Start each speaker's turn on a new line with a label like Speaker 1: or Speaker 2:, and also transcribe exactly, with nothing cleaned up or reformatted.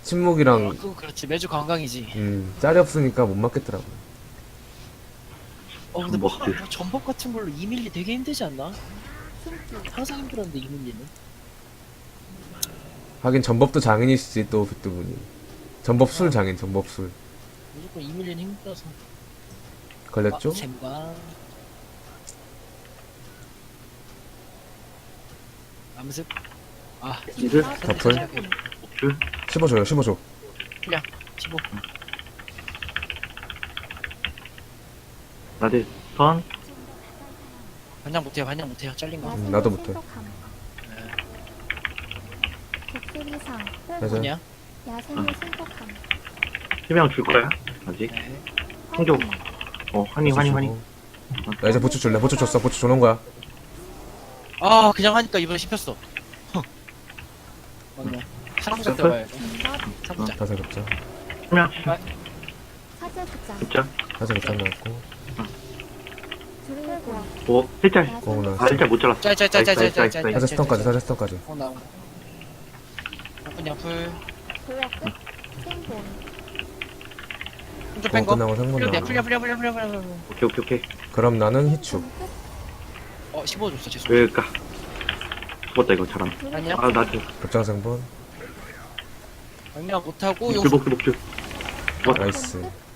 Speaker 1: 침묵이랑
Speaker 2: 그거 그렇지. 매주 관광이지.
Speaker 1: 음 짤이 없으니까 못 맞겠더라고.
Speaker 2: 어 근데
Speaker 3: 전법
Speaker 2: 파,
Speaker 3: 딜.
Speaker 2: 뭐 전법 같은 걸로 이 밀리 되게 힘들지 않나? 항상 힘들었는데 이 밀리는.
Speaker 1: 하긴 전법도 장인이시지 또 그분이. 전법술 장인 전법술.
Speaker 2: 무조건 이 밀리는 힘들어서.
Speaker 1: 걸렸죠?
Speaker 2: 아, 잼과 암습. 아
Speaker 3: 이들
Speaker 1: 더풀.
Speaker 3: 줄
Speaker 1: 씹어줘요 씹어줘.
Speaker 2: 풀량 십오.
Speaker 3: 나들 선
Speaker 2: 반장 못해요. 반장 못해요. 잘린 거.
Speaker 1: 음, 나도 못해.
Speaker 4: 독수리상
Speaker 1: 맞아.
Speaker 2: 뭐냐?
Speaker 4: 야생의 신속함
Speaker 3: 해명 줄 거야 아직
Speaker 2: 네.
Speaker 3: 한교 어 환희 환희 환희
Speaker 1: 나 이제 보초 줄래? 보초 줬어. 보초 줘놓은 거야.
Speaker 2: 아 그냥 하니까 이번에 씹혔어. 맞네. 사부작 들어가야 돼.
Speaker 4: 진법
Speaker 2: 사부작.
Speaker 1: 다섯 겹자.
Speaker 3: 해명
Speaker 4: 사제부장
Speaker 3: 진짜
Speaker 1: 다섯 겹자 나왔고.
Speaker 4: 불고
Speaker 3: 오 일짤
Speaker 1: 어, 나
Speaker 3: 아 일짤 못 잘랐어
Speaker 2: 짤짤짤짤짤짤.
Speaker 1: 사제 스턴까지 사제 스턴까지.
Speaker 2: 어 나온. 나쁜 양풀.
Speaker 4: 도역 끝 생본
Speaker 2: 혼자
Speaker 1: 어
Speaker 2: 뺀 거.
Speaker 1: 끝나고 상분
Speaker 2: 풀려
Speaker 1: 나와.
Speaker 2: 풀려 풀려 풀려 풀려 풀려. 풀려.
Speaker 3: 오케이 오케이 오케이
Speaker 1: 그럼 나는 희축.
Speaker 2: 어 십오 줬어 죄송.
Speaker 3: 왜까 죽었다 이거 잘함
Speaker 2: 아니야.
Speaker 3: 아 나도
Speaker 1: 급장 상분.
Speaker 2: 아니야 못하고 용.
Speaker 3: 복줄 복줄 복줄
Speaker 1: 나이스.
Speaker 4: 끝